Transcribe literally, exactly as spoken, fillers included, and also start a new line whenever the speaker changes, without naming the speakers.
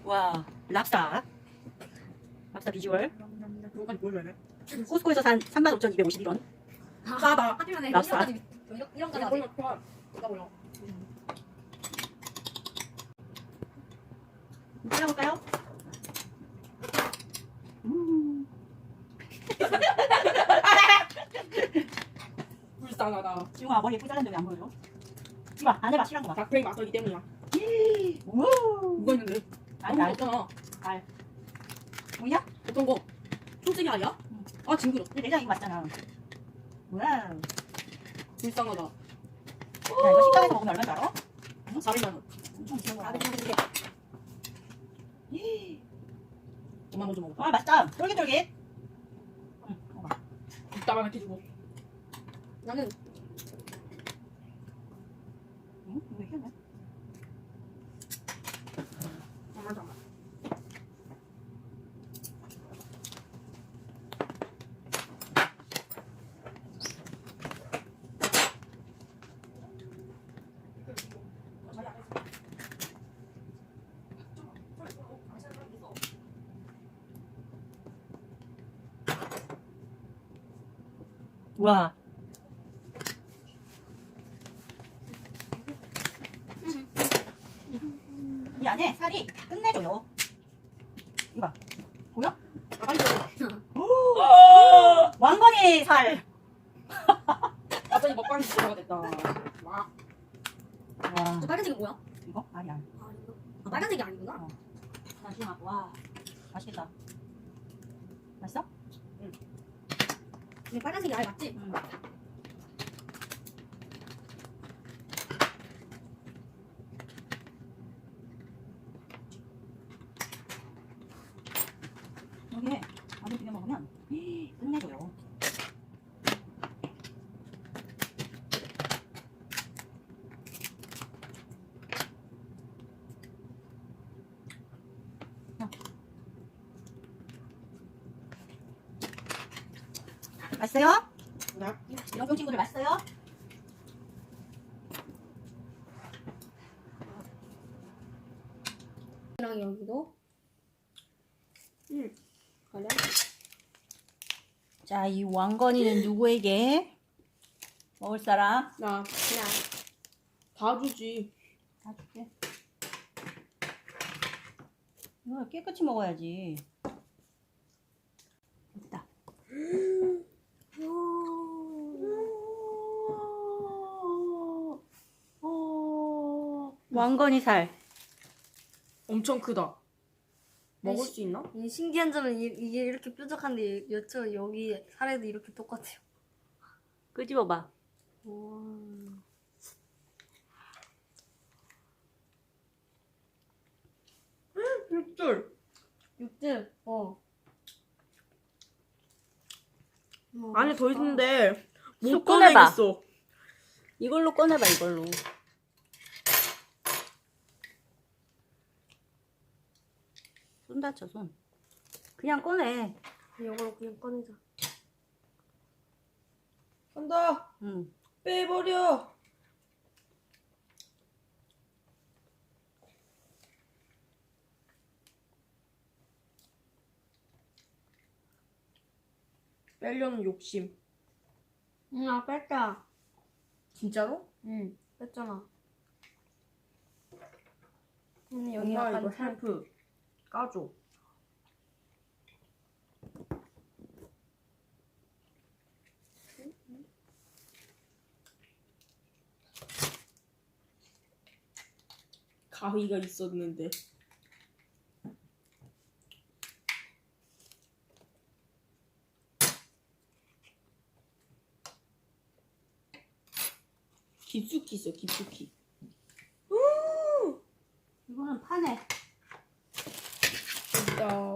와, 랍스타. 랍스타 비주얼.
이거까지 보여줘야 돼.
코스코에서 산 삼만 오천이백오십일 원.
싸다.
하지만에
랍스타.
이런까지 이런 이런까지
이거
하지.
보면 좋아. 이거 보여.
잘라볼까요? 음.
불쌍하다.
지웅아, 머리 예쁘게 잘랐는데 왜 안 보여줘? 이봐, 안 해봐, 실한 거 봐.
다크레이 마스터이기 때문이야.
우와.
이거 있는데.
아니, 아니,
없잖아.
보이냐?
어떤 거? 솔직히 아니야?
응.
아 징그러.
근데 내장 이거 맞잖아. 뭐야?
불쌍하다.
야, 이거 식당에서 먹으면 얼마인 줄 알아?
사백만 원.
엄청 비싼 거야.
엄마 먼저 먹어.
아, 맛있다. 쫄깃쫄깃. 응, 먹어봐.
이따만 이렇게 주고.
나는
응? 이거 이겼네.
잠깐만 잠깐만.
와. 이 안에 살이 끝내줘요. 이봐. 보여?
아, 빨리 먹어.
왕건이 살.
갑자기 먹방 시대가 됐다. 와.
와.
저 빨간색이 뭐야?
이거? 아니야.
아, 이거? 아, 빨간색이 아니구나.
어. 잠시만. 와. 맛있겠다. 맛있어?
이게 빨간색이 아예 맞지?
응. 여기에 밥을 비벼 먹으면 끝내줘요. 맛있어요?
나
이런 친구들 맛있어요?
이랑 여기도. 응. 그래?
자, 이 왕건이는 누구에게 먹을 사람?
나
그냥
다 주지.
다 줄게. 이거 깨끗이 먹어야지. 됐다. 왕건이 살.
엄청 크다. 먹을
시-
수 있나?
이 신기한 점은 이, 이게 이렇게 뾰족한데 여쪽 여기 살에도 이렇게 똑같아요.
끄집어봐.
와.
육줄.
육즙. 어. 어,
안에 더 있는데 못
쑥 꺼내봐.
꺼내겠어.
이걸로 꺼내봐, 이걸로. 손 다쳐, 손. 그냥 꺼내.
이걸로 그냥 꺼내자.
간다.
응.
빼버려. 빼려는 욕심.
응, 아 뺐다.
진짜로?
응, 뺐잖아. 응, 여기
엄마
약간
이거
살-
헬프 까줘. 가위가 있었는데. 깊숙이 있어, 깊숙이.
이거는 파네.
진짜.